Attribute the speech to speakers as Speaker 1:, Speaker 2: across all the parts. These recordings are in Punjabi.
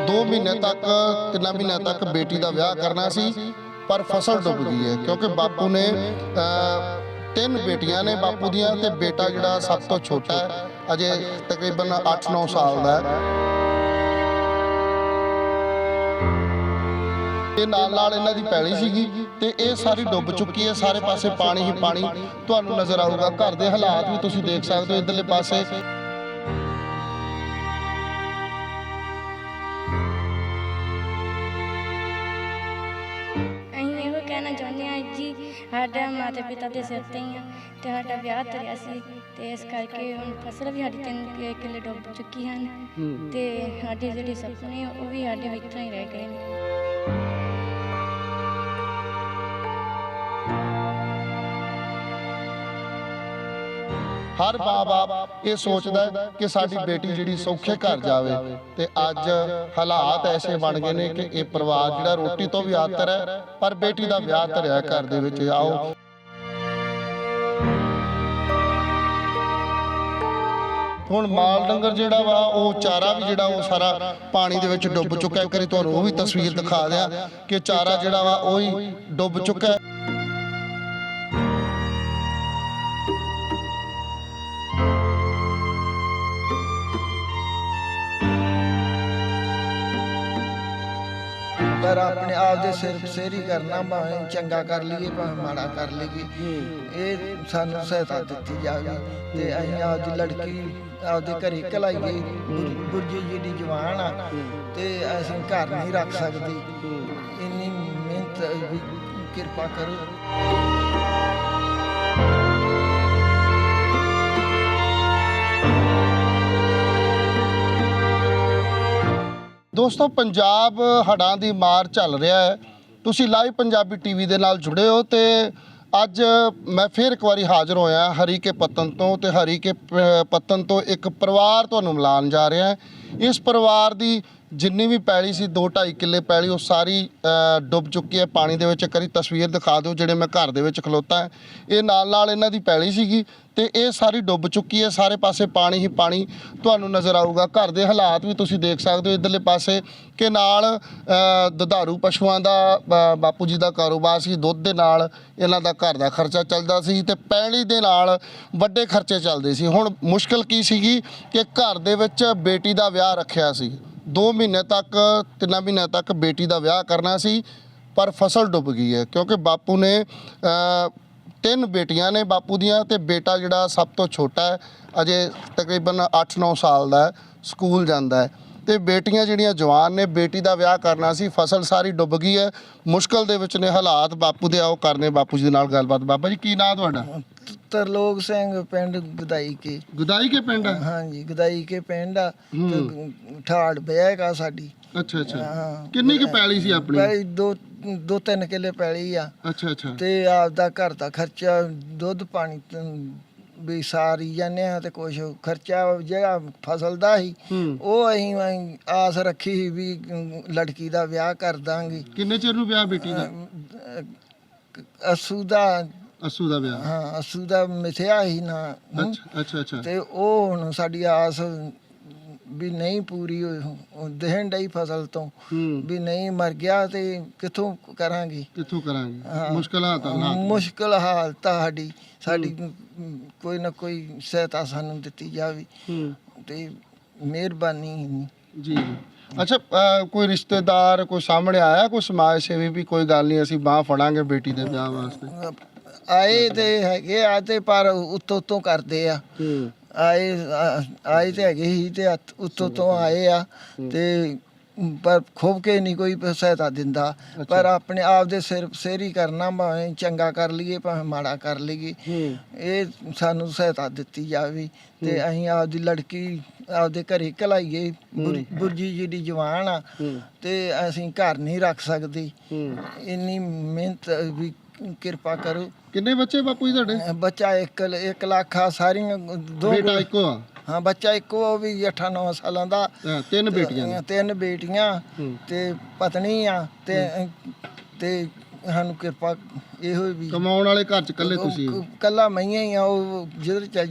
Speaker 1: 2 ਮਹੀਨੇ तक 3 ਮਹੀਨੇ तक बेटी का विआह करना सी पर फसल डुब गई है क्योंकि बापू ने 3 बेटियां ने बापू दियां ते बेटा जिहड़ा सब तो छोटा है अजे तकरीबन 8-9 साल का है। नाल इन्हां दी पैली सीगी ते ये सारी डुब चुकी है, सारे पासे पानी ही पानी तुहानूं नज़र आऊगा। घर दे हालात भी तुसीं देख सकदे हो इधरले पासे।
Speaker 2: कहना चाहते हैं जी साडा माता पिता के सिर ते ही तो साडा ब्याह तरिया सी ते इस करके हुण फसल भी साडी 3 किले डुब चुकी हैं ते साडे जिहड़े सपने वो भी साडे इत्थां ही रह गए ने।
Speaker 1: हर माँ बाप ये सोचता है कि साडी बेटी जिहड़ी सौखे घर जावे ते अज हालात ऐसे बन गए ने कि ये परिवार जिहड़ा रोटी तो भी आतर है पर बेटी दा विआह धरिया घर दे विच। आओ हुण माल डंगर जिहड़ा वा वो चारा भी जिहड़ा वो सारा पानी दे विच डुब चुका है। एक वारी तुहानूं वो भी तस्वीर दिखा दियां कि चारा जिहड़ा वा ओही डुब चुका है।
Speaker 3: पर अपने आप दे सिर सेरी करना भावें चंगा कर लीए भावें माड़ा कर लीए ये सानू सहायता दित्ती जावे ते असीं आपदी लड़की आपदे घरे घलाइए। बुरजी जिहड़ी जवान आ ते असीं घर नहीं रख सकदे, इन्नी मेहनत भी किरपा करो।
Speaker 1: दोस्तों पंजाब हड़ां दी मार चल रहा है, तुसी लाइव पंजाबी टीवी दे नाल जुड़े हो ते अज मैं फिर एक बारी हाज़र होया हरीके पत्तन तो ते हरीके पत्तन तो एक परिवार तुहानूं मिलान जा रहा है। इस परिवार दी जिन्नी भी पैली सी 2-2.5 किले पैली वो सारी डुब चुकी है पानी दे विच। एक बारी तस्वीर दिखा दो जिहड़े मैं घर दे विच खलोता है, ये नाल इन्हां दी पैली सीगी ते ये सारी डुब चुकी है, सारे पासे पानी ही पानी तुहानूं नज़र आऊगा। घर दे हालात भी तुसीं देख सकदे हो इधरले पासे कि नाल दुधारू पशुआं दा बापू जी दा कारोबार सी, दुੱਧ दे नाल इन्हां दा घर दा खर्चा चलदा सी ते पैली दे नाल वड्डे खर्चे चलदे सी। हुण मुश्किल की सीगी कि घर दे विच बेटी दा विआह रखिया सी, 2 महीने तक 3 महीने तक बेटी का विआह करना सी पर फसल डुब गई है क्योंकि बापू ने 3 बेटियां ने बापू दियां ते बेटा जिहड़ा सब तो छोटा है अजे तकरीबन 8-9 साल का है, स्कूल जाता है ते बेटियां जिहड़ियां जवान ने। बेटी का विआह करना सी, फसल सारी डुब गई है, मुश्किल दे विच ने हालात बापू दे। आओ करने बापू जी दे नाल गलबात। बाबा जी की नाम तुहाडा?
Speaker 3: तरलोक सिंह पिंड गदाई के।
Speaker 1: गदाई के पिंड?
Speaker 3: हाँ जी गदाई के पिंड आ ठाड़ बैग आ साडी।
Speaker 1: अच्छा अच्छा। किन्नी की पैली सी अपनी?
Speaker 3: पैली 2-3 किले पैली आ। अच्छा अच्छा। ते आपदा घर दा खर्चा दुੱਧ पानी भी सारी जाने ते कुछ खर्चा जिहड़ा फसल दा ही ਉਹ ਅਸੀਂ ਆਸ ਰੱਖੀ ਸੀ ਵੀ ਲੜਕੀ ਦਾ ਵਿਆਹ ਕਰ ਦਾਂਗੇ।
Speaker 1: ਕਿੰਨੇ ਚਿਰ ਨੂੰ ਵਿਆਹ ਬੇਟੀ ਦਾ?
Speaker 3: ਅਸੂ ਦਾ
Speaker 1: ਵਿਆਹ?
Speaker 3: ਹਾਂ ਅਸੂ ਦਾ ਮਿਥਿਆ ਹੀ ਨਾ।
Speaker 1: ਅੱਛਾ ਅੱਛਾ।
Speaker 3: ਤੇ ਉਹ ਹੁਣ ਸਾਡੀ ਆਸ ਵੀ ਨਹੀਂ ਪੂਰੀ ਦੇਣ ਡਈ ਫਸਲ ਤੋਂ ਵੀ ਨਹੀਂ ਮਰ ਗਿਆ ਤੇ ਕਿੱਥੋਂ ਕਰਾਂਗੇ ਮੁਸ਼ਕਲ ਹਾਲਤ ਸਾਡੀ ਕੋਈ ਨਾ ਕੋਈ ਸਹਾਇਤਾ ਸਾਨੂੰ ਦਿੱਤੀ ਜਾਵੇ ਤੇ ਮਿਹਰਬਾਨੀ
Speaker 1: ਜੀ। अच्छा कोई रिश्तेदार कोई सामने आया, कोई समाज सेवी भी कोई गल नहीं असीं बांह फड़ांगे बेटी दे विआह वास्ते?
Speaker 3: ਆਏ ਤੇ ਹੈਗੇ ਆ ਤੇ ਪਰ ਉੱਤੋਂ ਕਰਦੇ ਆ। ਆਏ ਤੇ ਹੈਗੇ ਹੀ ਤੇ ਉੱਤੋਂ ਆਏ ਆ ਤੇ ਪਰ ਖੁੱਬ ਕੇ ਨਹੀਂ ਕੋਈ ਸਹਾਇਤਾ ਦਿੰਦਾ। ਪਰ ਆਪਣੇ ਆਪ ਦੇ ਸਿਰ ਸੇਰੀ ਕਰਨਾ ਭਾਵੇਂ ਚੰਗਾ ਕਰ ਲਈਏ ਭਾਵੇਂ ਮਾੜਾ ਕਰ ਲਈਏ ਇਹ ਸਾਨੂੰ ਸਹਾਇਤਾ ਦਿੱਤੀ ਜਾਵੇ ਤੇ ਅਸੀਂ ਆਪਦੀ ਲੜਕੀ ਆਪਦੇ ਘਰੇ ਘਲਾਈਏ। ਬੁਰਜੀ ਜਿਹੜੀ ਜਵਾਨ ਆ ਤੇ ਅਸੀਂ ਘਰ ਨਹੀਂ ਰੱਖ ਸਕਦੇ, ਇੰਨੀ ਮਿਹਨਤ ਵੀ ਕਿਰਪਾ ਕਰੋ।
Speaker 1: ਕਿੰਨੇ ਬੱਚੇ ਬਾਪੂ ਜੀ ਤੁਹਾਡੇ?
Speaker 3: ਬੱਚਾ 1 ਲੱਖ ਆ ਸਾਰੀਆਂ। 2
Speaker 1: ਬੇਟਾ ਇੱਕੋ ਆ?
Speaker 3: हाँ बच्चा एको भी 8-9 सालों का।
Speaker 1: 3 बेटियां?
Speaker 3: 3 बेटियां ते पत्नी आ ते ਸਾਨੂੰ ਕਿਰਪਾ ਇਹੋ ਵੀ
Speaker 1: ਕਮਾਉਣ ਵਾਲੇ ਘਰ ਚ ਇਕੱਲੇ ਤੁਸੀਂ
Speaker 3: ਕੱਲਾ ਮਈਆਂ ਹੀ ਆ ਉਹ ਜਿੱਧਰ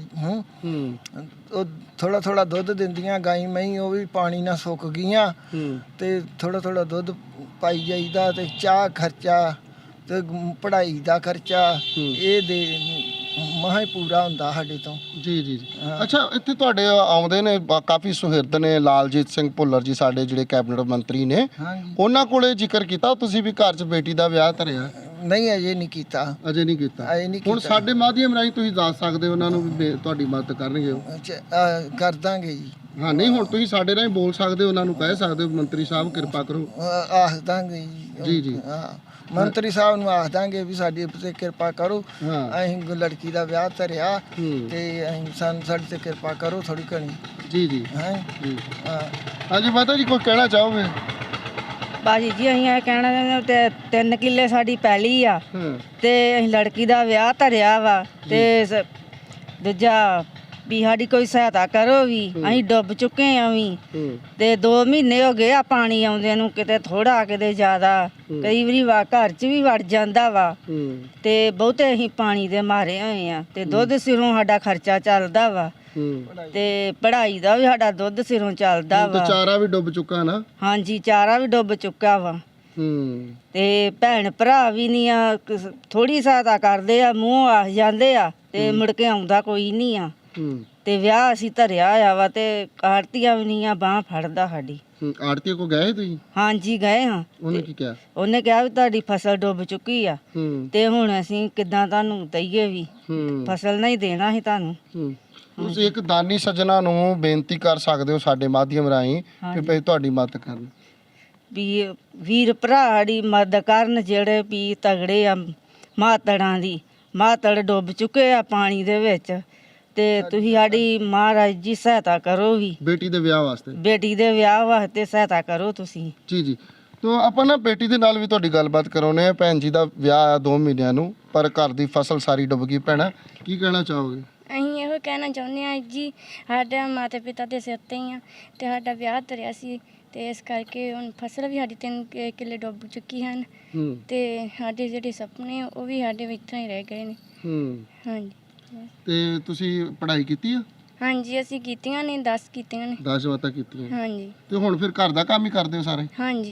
Speaker 3: ਉਹ ਥੋੜਾ ਥੋੜਾ ਦੁੱਧ ਦਿੰਦੀਆਂ ਗਾਈ ਮਈ ਉਹ ਵੀ ਪਾਣੀ ਨਾਲ ਸੁੱਕ ਗਈਆਂ ਤੇ ਥੋੜਾ ਥੋੜਾ ਦੁੱਧ ਪਾਈ ਜਾਈਦਾ ਤੇ ਚਾਹ ਖਰਚਾ ਤੇ ਪੜ੍ਹਾਈ ਦਾ ਖਰਚਾ ਇਹ ਦੇ ਮਹਾ ਹੀ ਪੂਰਾ ਹੁੰਦਾ ਸਾਡੇ ਤੋਂ।
Speaker 1: ਜੀ ਜੀ ਅੱਛਾ, ਇੱਥੇ ਤੁਹਾਡੇ ਆਉਂਦੇ ਨੇ ਕਾਫੀ ਸੁਹਿਰਦ ਨੇ ਲਾਲਜੀਤ ਸਿੰਘ ਭੁੱਲਰ ਜੀ, ਸਾਡੇ ਜਿਹੜੇ ਕੈਬਨਿਟ ਮੰਤਰੀ ਨੇ, ਉਹਨਾਂ ਕੋਲੇ ਜ਼ਿਕਰ ਕੀਤਾ ਤੁਸੀਂ ਵੀ ਘਰ 'ਚ ਬੇਟੀ ਦਾ ਵਿਆਹ ਧਰਿਆ?
Speaker 3: ਨਹੀਂ, ਅਜੇ ਨਹੀਂ ਕੀਤਾ।
Speaker 1: ਅਜੇ ਨਹੀਂ ਕੀਤਾ। ਹੁਣ ਸਾਡੇ ਮਾਧਿਅਮ ਰਾਹੀਂ ਤੁਸੀਂ ਦੱਸ ਸਕਦੇ ਹੋ ਉਹਨਾਂ ਨੂੰ ਵੀ ਤੁਹਾਡੀ ਮਦਦ ਕਰਨਗੇ ਉਹ?
Speaker 3: ਕਰ ਦਾਂਗੇ ਜੀ।
Speaker 1: ਹਾਂ, ਨਹੀਂ ਹੁਣ ਤੁਸੀਂ ਸਾਡੇ ਰਾਹੀਂ ਬੋਲ ਸਕਦੇ ਹੋ, ਉਹਨਾਂ ਨੂੰ ਕਹਿ ਸਕਦੇ ਹੋ ਮੰਤਰੀ ਸਾਹਿਬ ਕਿਰਪਾ ਕਰੋ।
Speaker 3: ਆਖ ਦਾਂਗੇ ਜੀ। ਜੀ ਹਾਂ, ਮੰਤਰੀ ਸਾਹਿਬ ਨੂੰ ਆਖ ਦਾਂਗੇ ਵੀ ਸਾਡੀ ਉੱਤੇ ਕਿਰਪਾ ਕਰੋ, ਅਸੀਂ ਲੜਕੀ ਦਾ ਵਿਆਹ ਧਰਿਆ ਤੇ ਅਸੀਂ ਸਾਡੇ ਤੇ ਕਿਰਪਾ ਕਰੋ ਥੋੜੀ ਘਣੀ।
Speaker 1: ਜੀ ਜੀ ਹਾਂ ਜੀ। ਹਾਂਜੀ ਮਾਤਾ ਜੀ, ਕੋਈ ਕਹਿਣਾ ਚਾਹੋਗੇ?
Speaker 4: ਬਾਜੀ ਜੀ ਅਸੀਂ ਇਹ ਕਹਿਣਾ ਚਾਹੁੰਦੇ ਤੇ 3 ਕਿੱਲੇ ਸਾਡੀ ਪੈਲੀ ਆ ਤੇ ਅਸੀਂ ਲੜਕੀ ਦਾ ਵਿਆਹ ਧਰਿਆ ਵਾ ਤੇ ਦੂਜਾ ਵੀ ਸਾਡੀ ਕੋਈ ਸਹਾਇਤਾ ਕਰੋ ਵੀ, ਅਸੀਂ ਡੁੱਬ ਚੁੱਕੇ ਆ ਵੀ ਤੇ 2 ਮਹੀਨੇ ਹੋ ਗਏ ਆ ਪਾਣੀ ਆਉਂਦੇ ਨੂੰ, ਕਿਤੇ ਥੋੜਾ ਕਿਤੇ ਜ਼ਿਆਦਾ, ਕਈ ਵਾਰੀ ਘਰ 'ਚ ਵੀ ਵੜ ਜਾਂਦਾ ਵਾ ਤੇ ਬਹੁਤੇ ਅਸੀਂ ਪਾਣੀ ਦੇ ਮਾਰੇ ਹੋਏ ਆ ਤੇ ਦੁੱਧ ਸਿਰੋਂ ਸਾਡਾ ਖਰਚਾ ਚੱਲਦਾ ਵਾ ਤੇ ਪੜ੍ਹਾਈ ਦਾ ਵੀ ਸਾਡਾ ਦੁੱਧ ਸਿਰੋਂ ਚੱਲਦਾ ਵਾ।
Speaker 1: ਚਾਰਾ ਵੀ ਡੁੱਬ ਚੁੱਕਾ ਨਾ?
Speaker 4: ਹਾਂਜੀ, ਚਾਰਾ ਵੀ ਡੁੱਬ ਚੁੱਕਾ ਵਾ ਤੇ ਭੈਣ ਭਰਾ ਵੀ ਨਹੀਂ ਆ, ਥੋੜੀ ਸਹਾਇਤਾ ਕਰਦੇ ਆ, ਮੂੰਹ ਆ ਜਾਂਦੇ ਆ ਤੇ ਮੁੜ ਕੇ ਆਉਂਦਾ ਕੋਈ ਨਹੀਂ ਆ ਤੇ ਵਿਆਹ ਅਸੀਂ ਧਰਿਆ ਆ ਵਾ ਤੇ ਆੜਤੀਆਂ ਵੀ ਨਹੀਂ ਆ ਬਾਂਹ ਫੜਦਾ ਸਾਡੀ।
Speaker 1: ਆੜਤੀ ਕੋ ਗਏ ਤੁਸੀਂ?
Speaker 4: ਹਾਂਜੀ ਗਏ ਹਾਂ।
Speaker 1: ਉਹਨੇ ਕੀ ਕਿਹਾ? ਉਹਨੇ
Speaker 4: ਕਿਹਾ ਵੀ ਤੁਹਾਡੀ ਫਸਲ ਡੁੱਬ ਚੁੱਕੀ ਆ ਤੇ ਹੁਣ ਅਸੀਂ ਕਿੱਦਾਂ ਤੁਹਾਨੂੰ ਦਈਏ ਵੀ, ਫਸਲ ਨਹੀਂ ਦੇਣਾ ਸੀ ਤੁਹਾਨੂੰ।
Speaker 1: ਤੁਸੀਂ ਇੱਕ ਦਾਨੀ ਸੱਜਣਾ ਨੂੰ ਬੇਨਤੀ ਕਰ ਸਕਦੇ ਹੋ ਸਾਡੇ ਮਾਧਿਅਮ ਰਾਹੀਂ ਕਿ ਭਈ ਤੁਹਾਡੀ ਮਦਦ ਕਰਨ,
Speaker 4: ਵੀ ਵੀਰ ਭਰਾ ਸਾਡੀ ਮਦਦ ਕਰਨ ਜਿਹੜੇ ਵੀ ਤਗੜੇ ਆ, ਮਾਤੜਾਂ ਦੀ ਮਾਤੜ ਡੁੱਬ ਚੁੱਕੇ ਆ ਪਾਣੀ ਦੇ ਵਿੱਚ ਤੇ ਤੁਸੀਂ ਸਾਡੀ ਮਹਾਰਾਜ ਜੀ ਸਹਾਇਤਾ ਕਰੋ ਵੀ,
Speaker 1: ਬੇਟੀ ਦੇ ਵਿਆਹ ਵਾਸਤੇ,
Speaker 4: ਬੇਟੀ ਦੇ ਵਿਆਹ ਵਾਸਤੇ ਸਹਾਇਤਾ ਕਰੋ ਤੁਸੀਂ। ਜੀ
Speaker 1: ਜੀ ਤਾਂ ਆਪਾਂ ਨਾ ਬੇਟੀ ਦੇ ਨਾਲ ਵੀ ਤੁਹਾਡੀ ਗੱਲਬਾਤ ਕਰਾਉਨੇ ਆ। ਭੈਣ ਜੀ ਦਾ ਵਿਆਹ ਆ 2 ਮਹੀਨਿਆਂ ਨੂੰ, ਪਰ ਘਰ ਦੀ ਫਸਲ ਸਾਰੀ ਡੁੱਬ ਗਈ। ਭੈਣਾ ਕੀ ਕਹਿਣਾ ਚਾਹੋਗੇ?
Speaker 2: ਅਸੀਂ ਇਹੋ ਕਹਿਣਾ ਚਾਹੁੰਦੇ ਹਾਂ ਜੀ, ਸਾਡਾ ਮਾਤਾ ਪਿਤਾ ਦੇ ਸਿਰ 'ਤੇ ਹੀ ਆ ਤੇ ਸਾਡਾ ਵਿਆਹ ਧਰਿਆ ਸੀ ਤੇ ਇਸ ਕਰਕੇ ਹੁਣ ਫਸਲ ਵੀ ਸਾਡੀ 3 ਕਿੱਲੇ ਡੁੱਬ ਚੁੱਕੀ ਹਨ ਤੇ ਸਾਡੇ ਜਿਹੜੇ ਸੁਪਨੇ ਉਹ ਵੀ ਸਾਡੇ ਵਿੱਚ ਹੀ ਰਹਿ ਗਏ ਨੇ। ਹਾਂਜੀ।
Speaker 1: ਤੇ ਤੁਸੀਂ ਪੜ੍ਹਾਈ ਕੀਤੀ ਆ?
Speaker 2: ਹਾਂਜੀ, ਅਸੀਂ ਕੀਤੀਆਂ ਨੇ, 10 ਕੀਤੀਆਂ ਨੇ।
Speaker 1: 10 ਜਮਾਤਾਂ ਕੀਤੀਆਂ?
Speaker 2: ਹਾਂਜੀ।
Speaker 1: ਤੇ ਹੁਣ ਫਿਰ ਘਰ ਦਾ ਕੰਮ ਹੀ ਕਰਦੇ ਹੋ ਸਾਰੇ?
Speaker 2: ਹਾਂਜੀ।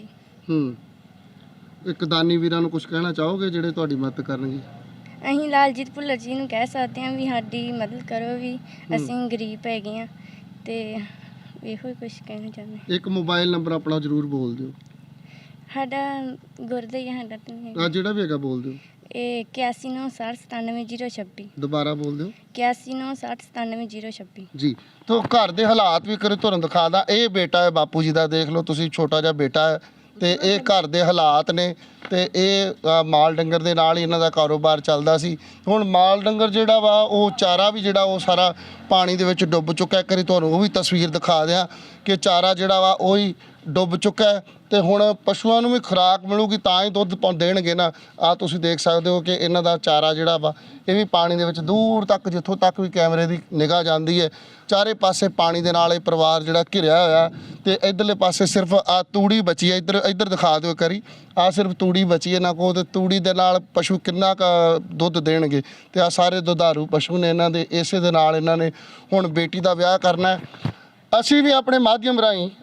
Speaker 1: ਇੱਕ ਦਾਨੀ ਵੀਰਾਂ ਨੂੰ ਕੁਝ ਕਹਿਣਾ ਚਾਹੋਗੇ ਜਿਹੜੇ ਤੁਹਾਡੀ ਮਦਦ ਕਰਨਗੇ?
Speaker 2: ਅਸੀਂ ਲਾਲਜੀਤ ਭੁੱਲਰ ਜੀ ਨੂੰ ਕਹਿ ਸਕਦੇ ਹਾਂ ਵੀ ਸਾਡੀ ਮਦਦ ਕਰੋ ਵੀ, ਅਸੀਂ ਗਰੀਬ ਹੈਗੇ ਹਾਂ ਤੇ ਇਹੋ ਹੀ ਕੁਝ ਕਹਿਣਾ ਚਾਹੁੰਦੇ।
Speaker 1: ਇੱਕ ਮੋਬਾਈਲ ਨੰਬਰ ਆਪਣਾ ਜ਼ਰੂਰ ਬੋਲ ਦਿਓ।
Speaker 2: ਸਾਡਾ ਗੁਰਦਾ ਹੀ ਸਾਡਾ
Speaker 1: ਆ ਜਿਹੜਾ ਵੀ ਹੈਗਾ ਬੋਲ ਦਿਓ।
Speaker 2: ਇਹ 8196097026।
Speaker 1: ਦੁਬਾਰਾ ਬੋਲ ਦਿਓ।
Speaker 2: 8196097026। ਜੀ।
Speaker 1: ਤਾਂ ਘਰ ਦੇ ਹਾਲਾਤ ਵੀ ਕਰੇ ਤੁਹਾਨੂੰ ਦਿਖਾਦਾ। ਇਹ ਬੇਟਾ ਹੈ ਬਾਪੂ ਜੀ ਦਾ, ਦੇਖ ਲਓ ਤੁਸੀਂ, ਛੋਟਾ ਜਿਹਾ ਬੇਟਾ ਹੈ ਤੇ ਇਹ ਘਰ ਦੇ ਹਾਲਾਤ ਨੇ ਤੇ ਇਹ ਮਾਲ ਡੰਗਰ ਦੇ ਨਾਲ ਹੀ ਇਹਨਾਂ ਦਾ ਕਾਰੋਬਾਰ ਚੱਲਦਾ ਸੀ। ਹੁਣ ਮਾਲ ਡੰਗਰ ਜਿਹੜਾ ਵਾ ਉਹ ਚਾਰਾ ਵੀ ਜਿਹੜਾ ਉਹ ਸਾਰਾ ਪਾਣੀ ਦੇ ਵਿੱਚ ਡੁੱਬ ਚੁੱਕਾ। ਇੱਕ ਵਾਰੀ ਤੁਹਾਨੂੰ ਉਹ ਵੀ ਤਸਵੀਰ ਦਿਖਾ ਦਿਆਂ ਕਿ ਚਾਰਾ ਜਿਹੜਾ ਵਾ ਉਹ ਹੀ ਡੁੱਬ ਚੁੱਕਾ ਹੈ ਤੇ ਹੁਣ ਪਸ਼ੂਆਂ ਨੂੰ ਵੀ ਖੁਰਾਕ ਮਿਲੂਗੀ ਤਾਂ ਹੀ ਦੁੱਧ ਦੇਣਗੇ ਨਾ। ਆ ਤੁਸੀਂ ਦੇਖ ਸਕਦੇ ਹੋ ਕਿ ਇਹਨਾਂ ਦਾ ਚਾਰਾ ਜਿਹੜਾ ਵਾ ਇਹ ਵੀ ਪਾਣੀ ਦੇ ਵਿੱਚ ਦੂਰ ਤੱਕ, ਜਿੱਥੋਂ ਤੱਕ ਵੀ ਕੈਮਰੇ ਦੀ ਨਿਗਾਹ ਜਾਂਦੀ ਹੈ, ਚਾਰੇ ਪਾਸੇ ਪਾਣੀ ਦੇ ਨਾਲ ਇਹ ਪਰਿਵਾਰ ਜਿਹੜਾ ਘਿਰਿਆ ਹੋਇਆ ਤੇ ਇਧਰਲੇ ਪਾਸੇ ਸਿਰਫ ਆ ਤੂੜੀ ਬਚੀ ਹੈ। ਇੱਧਰ ਦਿਖਾ ਦਿਓ ਕਰੀ, ਆ ਸਿਰਫ ਤੂੜੀ ਬਚੀ ਹੈ ਨਾ ਕੋ, ਤੇ ਤੂੜੀ ਦੇ ਨਾਲ ਪਸ਼ੂ ਕਿੰਨਾ ਕੁ ਦੁੱਧ ਦੇਣਗੇ ਤੇ ਆ ਸਾਰੇ ਦੁਧਾਰੂ ਪਸ਼ੂ ਨੇ ਇਹਨਾਂ ਦੇ। ਇਸੇ ਦੇ ਨਾਲ ਇਹਨਾਂ ਨੇ ਹੁਣ ਬੇਟੀ ਦਾ ਵਿਆਹ ਕਰਨਾ ਹੈ। ਅਸੀਂ ਵੀ ਆਪਣੇ ਮਾਧਿਅਮ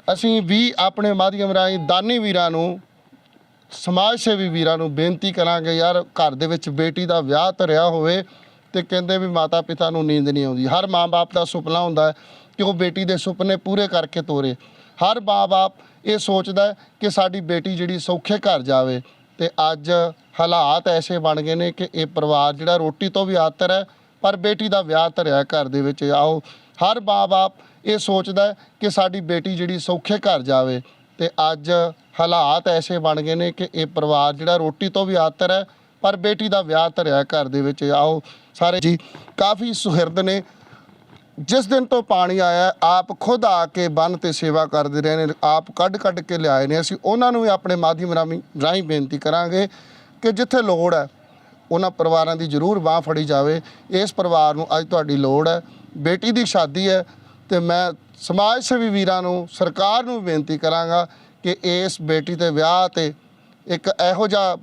Speaker 1: ਰਾਹੀਂ ਦਾਨੀ ਵੀਰਾਂ ਨੂੰ, ਸਮਾਜ ਸੇਵੀ ਵੀਰਾਂ ਨੂੰ ਬੇਨਤੀ ਕਰਾਂਗੇ, ਯਾਰ ਘਰ ਦੇ ਵਿੱਚ ਬੇਟੀ ਦਾ ਵਿਆਹ ਧਰਿਆ ਹੋਵੇ ਤੇ ਕਹਿੰਦੇ ਵੀ ਮਾਤਾ ਪਿਤਾ ਨੂੰ ਨੀਂਦ ਨਹੀਂ ਆਉਂਦੀ। ਹਰ ਮਾਂ-ਬਾਪ ਦਾ ਸੁਪਨਾ ਹੁੰਦਾ ਹੈ ਕਿ ਉਹ ਬੇਟੀ ਦੇ ਸੁਪਨੇ ਪੂਰੇ ਕਰਕੇ ਤੋਰੇ। ਹਰ ਮਾਂ-ਬਾਪ ਇਹ ਸੋਚਦਾ ਹੈ ਕਿ ਸਾਡੀ ਬੇਟੀ ਜਿਹੜੀ ਸੌਖੇ ਘਰ ਜਾਵੇ ਤੇ ਅੱਜ ਹਾਲਾਤ ਐਸੇ ਬਣ ਗਏ ਨੇ ਕਿ ਇਹ ਪਰਿਵਾਰ ਜਿਹੜਾ ਰੋਟੀ ਤੋਂ ਵੀ ਆਤਰ ਹੈ, ਪਰ ਬੇਟੀ ਦਾ ਵਿਆਹ ਧਰਿਆ ਘਰ ਦੇ ਵਿੱਚ। ਆਓ, ਹਰ ਮਾਂ-ਬਾਪ ਇਹ ਸੋਚਦਾ ਹੈ ਕਿ ਸਾਡੀ ਬੇਟੀ ਜਿਹੜੀ ਸੌਖੇ ਘਰ ਜਾਵੇ ਤੇ ਅੱਜ ਹਾਲਾਤ ਐਸੇ ਬਣ ਗਏ ਨੇ ਕਿ ਇਹ ਪਰਿਵਾਰ ਜਿਹੜਾ ਰੋਟੀ ਤੋਂ ਵੀ ਆਤਰ ਹੈ, ਪਰ ਬੇਟੀ ਦਾ ਵਿਆਹ ਧਰਿਆ ਘਰ ਦੇ ਵਿੱਚ। ਆਓ ਸਾਰੇ ਜੀ, ਕਾਫੀ ਸੁਹਿਰਦ ਨੇ। ਜਿਸ ਦਿਨ ਤੋਂ ਪਾਣੀ ਆਇਆ ਆਪ ਖੁਦ ਆ ਕੇ ਬੰਨ੍ਹ 'ਤੇ ਸੇਵਾ ਕਰਦੇ ਰਹੇ ਨੇ, ਆਪ ਕੱਢ ਕੇ ਲਿਆਏ ਨੇ। ਅਸੀਂ ਉਹਨਾਂ ਨੂੰ ਵੀ ਆਪਣੇ ਮਾਧਿਅਮ ਰਾਹੀਂ ਬੇਨਤੀ ਕਰਾਂਗੇ ਕਿ ਜਿੱਥੇ ਲੋੜ ਹੈ ਉਹਨਾਂ ਪਰਿਵਾਰਾਂ ਦੀ ਜ਼ਰੂਰ ਬਾਂਹ ਫੜੀ ਜਾਵੇ। ਇਸ ਪਰਿਵਾਰ ਨੂੰ ਅੱਜ ਤੁਹਾਡੀ ਲੋੜ ਹੈ, ਬੇਟੀ ਦੀ ਸ਼ਾਦੀ ਹੈ ਤੇ ਮੈਂ ਸਮਾਜ ਸੇਵੀ ਵੀਰਾਂ ਨੂੰ, ਸਰਕਾਰ ਨੂੰ ਬੇਨਤੀ ਕਰਾਂਗਾ ਕਿ ਇਸ ਬੇਟੀ ਦੇ ਵਿਆਹ ਤੇ ਇੱਕ ਇਹੋ ਜਿਹਾ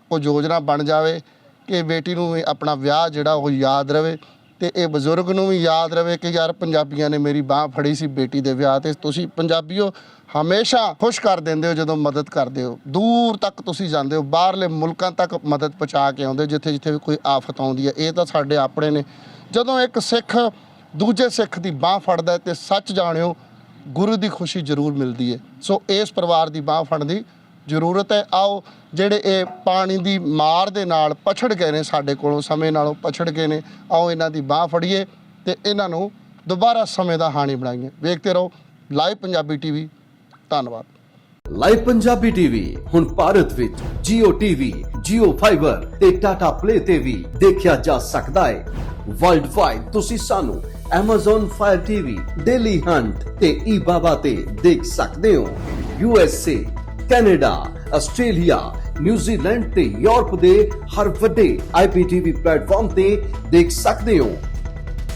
Speaker 1: ਕੋਈ ਯੋਜਨਾ ਬਣ ਜਾਵੇ ਕਿ ਬੇਟੀ ਨੂੰ ਵੀ ਆਪਣਾ ਵਿਆਹ ਜਿਹੜਾ ਉਹ ਯਾਦ ਰਵੇ ਤੇ ਇਹ ਬਜ਼ੁਰਗ ਨੂੰ ਵੀ ਯਾਦ ਰਵੇ ਕਿ ਯਾਰ ਪੰਜਾਬੀਆਂ ਨੇ ਮੇਰੀ ਬਾਹ ਫੜੀ ਸੀ ਬੇਟੀ ਦੇ ਵਿਆਹ ਤੇ। ਤੁਸੀਂ ਪੰਜਾਬੀਓ ਹਮੇਸ਼ਾ ਖੁਸ਼ ਕਰ ਦਿੰਦੇ ਹੋ ਜਦੋਂ ਮਦਦ ਕਰਦੇ ਹੋ, ਦੂਰ ਤੱਕ ਤੁਸੀਂ ਜਾਂਦੇ ਹੋ, ਬਾਹਰਲੇ ਮੁਲਕਾਂ ਤੱਕ ਮਦਦ ਪਹੁੰਚਾ ਕੇ ਆਉਂਦੇ ਜਿੱਥੇ ਜਿੱਥੇ ਵੀ ਕੋਈ ਆਫਤ ਆਉਂਦੀ ਹੈ। ਇਹ ਤਾਂ ਸਾਡੇ ਆਪਣੇ ਨੇ। ਜਦੋਂ ਇੱਕ ਸਿੱਖ ਦੂਜੇ ਸਿੱਖ ਦੀ ਬਾਹ ਫੜਦਾ ਤੇ ਸੱਚ ਜਾਣਿਓ ਗੁਰੂ ਦੀ ਖੁਸ਼ੀ ਜ਼ਰੂਰ ਮਿਲਦੀ ਹੈ। ਸੋ ਇਸ ਪਰਿਵਾਰ ਦੀ ਬਾਹ ਫੜਨ ਦੀ ਜ਼ਰੂਰਤ ਹੈ। ਆਓ ਜਿਹੜੇ ਇਹ ਪਾਣੀ ਦੀ ਮਾਰ ਦੇ ਨਾਲ ਪਛੜ ਗਏ ਨੇ, ਸਾਡੇ ਕੋਲੋਂ ਸਮੇਂ ਨਾਲੋਂ ਪਛੜ ਗਏ ਨੇ, ਆਓ ਇਹਨਾਂ ਦੀ ਬਾਹ ਫੜੀਏ ਤੇ ਇਹਨਾਂ ਨੂੰ ਦੁਬਾਰਾ ਸਮੇਂ ਦਾ ਹਾਣੀ ਬਣਾਈਏ। ਵੇਖਦੇ ਰਹੋ ਲਾਈਵ ਪੰਜਾਬੀ ਟੀਵੀ। ਧੰਨਵਾਦ।
Speaker 5: ਲਾਈਵ ਪੰਜਾਬੀ ਟੀਵੀ ਹੁਣ ਭਾਰਤ ਵਿੱਚ Jio TV, Jio Fiber ਤੇ Tata Play ਤੇ ਵੀ ਦੇਖਿਆ ਜਾ ਸਕਦਾ ਹੈ। ਵਰਲਡ ਵਾਈਡ ਤੁਸੀਂ ਸਾਨੂੰ Amazon Fire TV, Daily Hunt ਤੇ eBaba ਤੇ ਦੇਖ ਸਕਦੇ ਹੋ। USA, ਕੈਨੇਡਾ, ਆਸਟ੍ਰੇਲੀਆ, ਨਿਊਜ਼ੀਲੈਂਡ ਤੇ ਯੂਰਪ ਦੇ ਹਰ ਵੱਡੇ IPTV ਪਲੇਟਫਾਰਮ ਤੇ ਦੇਖ ਸਕਦੇ ਹੋ।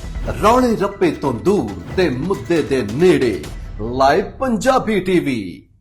Speaker 5: ਰੌਲੇ ਰੱਪੇ ਤੋਂ ਦੂਰ ਤੇ ਮੁੱਦੇ ਦੇ ਨੇੜੇ ਲਾਈਵ ਪੰਜਾਬੀ ਟੀਵੀ।